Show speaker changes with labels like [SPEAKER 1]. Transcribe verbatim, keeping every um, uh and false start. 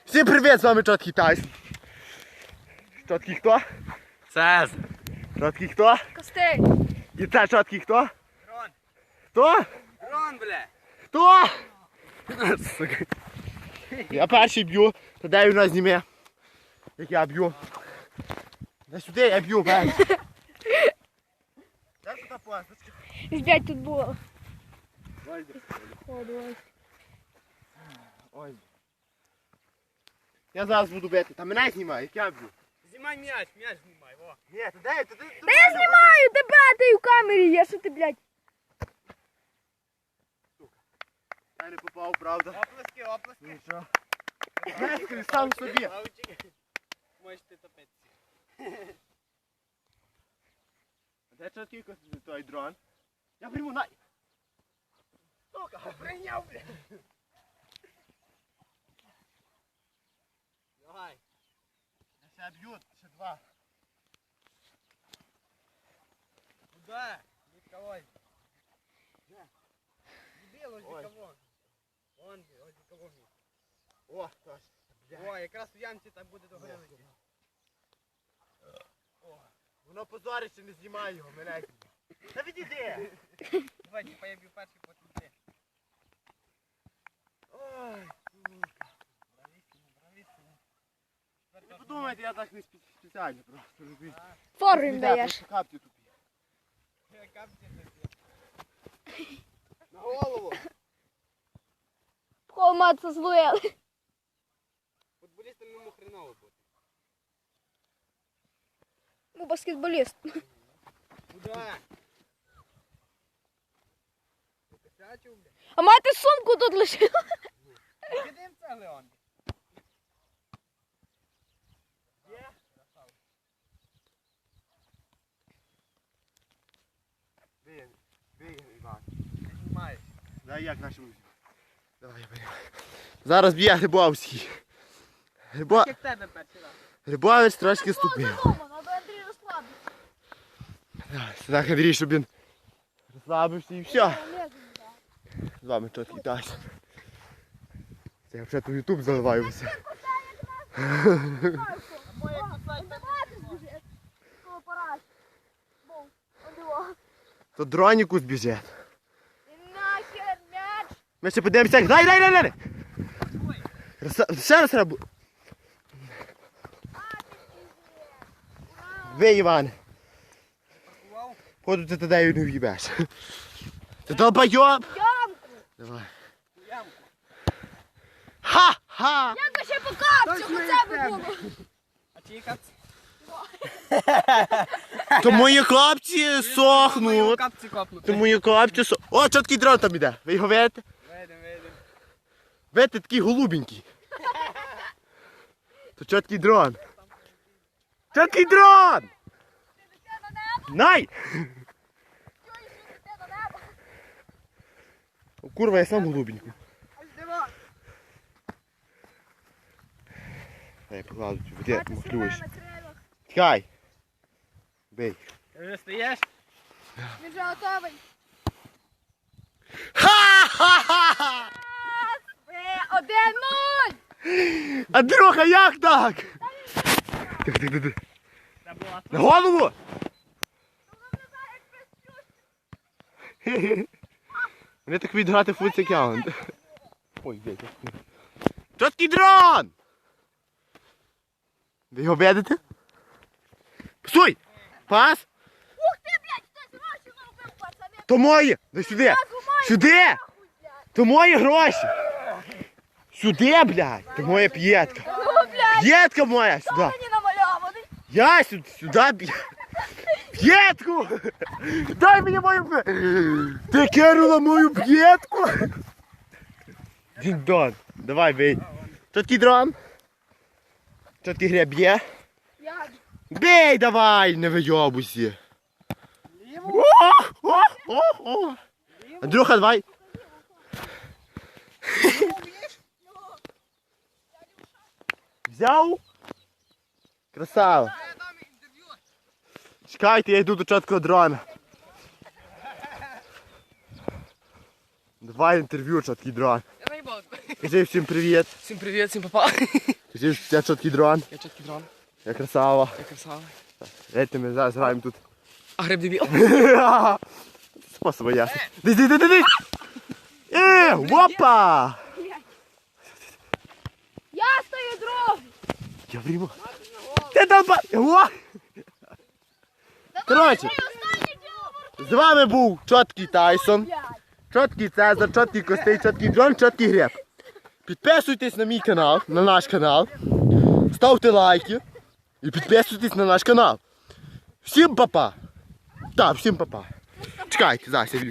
[SPEAKER 1] Всім привіт, з вами Чоткий Тайсон. Чоткий хто?
[SPEAKER 2] Цез.
[SPEAKER 1] Чоткий хто?
[SPEAKER 3] Костей.
[SPEAKER 1] І це Чоткий хто?
[SPEAKER 2] Дрон.
[SPEAKER 1] Хто?
[SPEAKER 2] Дрон, бля.
[SPEAKER 1] Хто? Я перший б'ю, то дай у нас зніме. Як я б'ю. Дай сюди, я б'ю, бай. Дай сюди пасточка.
[SPEAKER 3] П'ять тут було.
[SPEAKER 1] Ой,
[SPEAKER 3] Ой.
[SPEAKER 1] ой. Я зараз буду бити, та мене знімай, як я б'ю.
[SPEAKER 2] Знімай м'яч, м'яч знімай, во.
[SPEAKER 1] Ні, то дай, то ти...
[SPEAKER 3] Та я знімаю тебе, ти в камері є, що ти, блядь.
[SPEAKER 1] Я не попав, правда.
[SPEAKER 2] Оплески, оплески.
[SPEAKER 1] Ну що? Знаєш, сам собі.
[SPEAKER 2] Лавчик. Можете топитися.
[SPEAKER 1] Де Чоткий той дрон? Я прийму, на...
[SPEAKER 2] Сука, прийняв, бля. Давай.
[SPEAKER 1] Я себе б'ю, ще два.
[SPEAKER 2] Куда? Николай. Дебил, ось
[SPEAKER 1] Ой.
[SPEAKER 2] кого. Вон, ось кого.
[SPEAKER 1] О, точно.
[SPEAKER 2] О, якраз в ямці так буде догорілити.
[SPEAKER 1] Воно позориться, не знімає його, мене знімає. Та відійди!
[SPEAKER 2] Давай, типа я б'ю перший, потім ти.
[SPEAKER 1] Ой,
[SPEAKER 2] Бравіссимо, бравіссимо.
[SPEAKER 1] не подумайте, я так не спе- спеціально просто, розумієте.
[SPEAKER 3] Фору їм
[SPEAKER 1] Ні,
[SPEAKER 3] даєш.
[SPEAKER 1] просто капці тупі.
[SPEAKER 2] Капці тобі. На голову.
[SPEAKER 3] Холматися злуєли.
[SPEAKER 2] Футболістам йому хреново буде.
[SPEAKER 3] Ну, баскетболіст.
[SPEAKER 2] Куда? Ти косячив, бля?
[SPEAKER 3] А мати сумку тут лишила.
[SPEAKER 2] Кидаємо це, Леон. Є?
[SPEAKER 1] Бігай, бігай, Іван.
[SPEAKER 2] Знімаєш.
[SPEAKER 1] Дай як нашому. Давай, я беру. Зараз б'є Грибовський. Грибо...
[SPEAKER 2] Як тебе перший раз.
[SPEAKER 1] Грибовець трошки ступив.
[SPEAKER 3] Треба Андрій розслабитися.
[SPEAKER 1] Давай, сюди Андрій, щоб він розслабився і все. З вами Чоткий Тайсон. Це я вже тут ютуб заливаю все. То дроніку збіжить.
[SPEAKER 3] Нахер м'яч.
[SPEAKER 1] Ми ще подивимося, як... Дай, дай, дай, дай! Роса- Ще раз треба. Ви, Іван.
[SPEAKER 2] Паркував?
[SPEAKER 1] Ходу ти туди не в'їбеш. Ти долбойоб!
[SPEAKER 3] Ямку.
[SPEAKER 1] Давай.
[SPEAKER 2] У ямку.
[SPEAKER 1] Ха-ха!
[SPEAKER 3] Ямка ще по капцю, хоча б було.
[SPEAKER 2] А чиї капці?
[SPEAKER 1] То мої хлопці
[SPEAKER 2] Мої
[SPEAKER 1] сохнуть.
[SPEAKER 2] капці копнути.
[SPEAKER 1] То мої хлопці сохнуть. О, Чоткий дрон там іде. Ви його видите?
[SPEAKER 2] Видим, видим.
[SPEAKER 1] Видите, такий голубенький. То Чоткий дрон. Чоткий дрон! Най! О, курва, я сам голубенький. Дай покладу, де махлюєш. Тікай. Бей.
[SPEAKER 2] Ти вже стоїш?
[SPEAKER 3] Він вже готовий.
[SPEAKER 1] Ха-ха-ха!
[SPEAKER 3] Один нуль.
[SPEAKER 1] Андрюха, як так? Тихо, тихо, тихо.
[SPEAKER 2] Це була
[SPEAKER 1] На голову! Вони так вміють грати в футсекаунд. Ой, де це? Чоткий дрон! Ви його видите? Псуй! Пас!
[SPEAKER 3] Ух ти, блядь, хтось гроші наробив, пацани.
[SPEAKER 1] То мої! Дай сюди! Сюди! То мої гроші! Сюди, блядь! То моя п'єтка!
[SPEAKER 3] Ну, блядь,
[SPEAKER 1] П'єтка моя! Сюди!
[SPEAKER 3] мені намальований.
[SPEAKER 1] Я сюди, сюди б'є. П'єтку! Дай мені мою п'єтку! Ти кинула мою п'єтку! Дін-дон, давай бей. Чоткий дрон. Чоткий греб б'є.
[SPEAKER 3] Як?
[SPEAKER 1] Бей давай, не вийобуйся. О, о, о, о. Андрюха, давай. Взяв? Красава. Чекайте, я йду до Чоткого дрона. Давай інтерв'ю, Чоткий дрон.
[SPEAKER 2] Я наїбав.
[SPEAKER 1] Кажи всім привіт.
[SPEAKER 2] Всім привіт, всім папа.
[SPEAKER 1] Ти ж це чіткий дрон,
[SPEAKER 2] Я чіткий дрон,
[SPEAKER 1] я красава.
[SPEAKER 2] я красава.
[SPEAKER 1] Дайте ми зараз граємо тут.
[SPEAKER 2] А гриб дебіл.
[SPEAKER 1] Способи ясно. Дись, дись, дись, дись! Е, опа!
[SPEAKER 3] Я стою другий.
[SPEAKER 1] Я врімо. Ти там па... О! Коротше, з вами був чіткий Тайсон, чіткий Цезар, чіткий Костей, чіткий Джон, чіткий Греб. Підписуйтесь на мій канал, на наш канал, ставте лайки і підписуйтесь на наш канал. Всім па-па! Так, всім па-па. Чекайте, зараз я